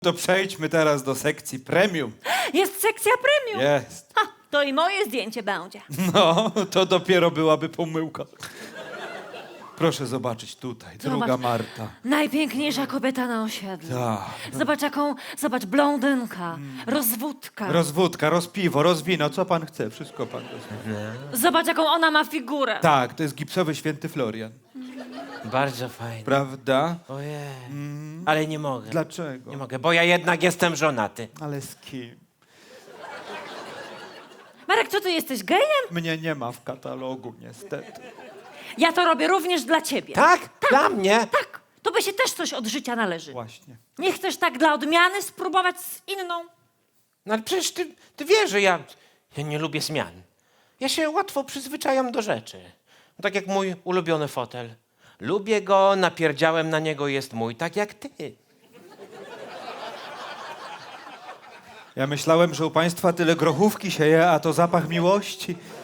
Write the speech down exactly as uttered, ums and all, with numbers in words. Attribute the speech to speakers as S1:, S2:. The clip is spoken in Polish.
S1: To przejdźmy teraz do sekcji premium.
S2: Jest sekcja premium.
S1: Jest.
S2: Ha, to i moje zdjęcie będzie.
S1: No, to dopiero byłaby pomyłka. Proszę zobaczyć tutaj, druga
S2: Zobacz.
S1: Marta.
S2: Najpiękniejsza kobieta na osiedlu.
S1: Tak.
S2: Zobacz jaką, zobacz, blondynka, rozwódka.
S1: Rozwódka, rozpiwo, rozwino, co pan chce, wszystko pan rozumie.
S2: Zobacz jaką ona ma figurę.
S1: Tak, to jest gipsowy święty Florian.
S3: Bardzo fajnie.
S1: Prawda?
S3: Ojej. Ale nie mogę.
S1: Dlaczego?
S3: Nie mogę, bo ja jednak jestem żonaty.
S1: Ale z kim?
S2: Marek, co ty jesteś gejem?
S1: Mnie nie ma w katalogu, niestety.
S2: Ja to robię również dla ciebie.
S3: Tak? Dla mnie?
S2: Tak, to by się też coś od życia należy.
S1: Właśnie.
S2: Nie chcesz tak dla odmiany spróbować z inną?
S3: No ale przecież ty, ty wiesz, że ja, ja nie lubię zmian. Ja się łatwo przyzwyczajam do rzeczy. Tak jak mój ulubiony fotel. Lubię go, napierdziałem na niego, jest mój, tak jak ty.
S1: Ja myślałem, że u państwa tyle grochówki się je, a to zapach miłości.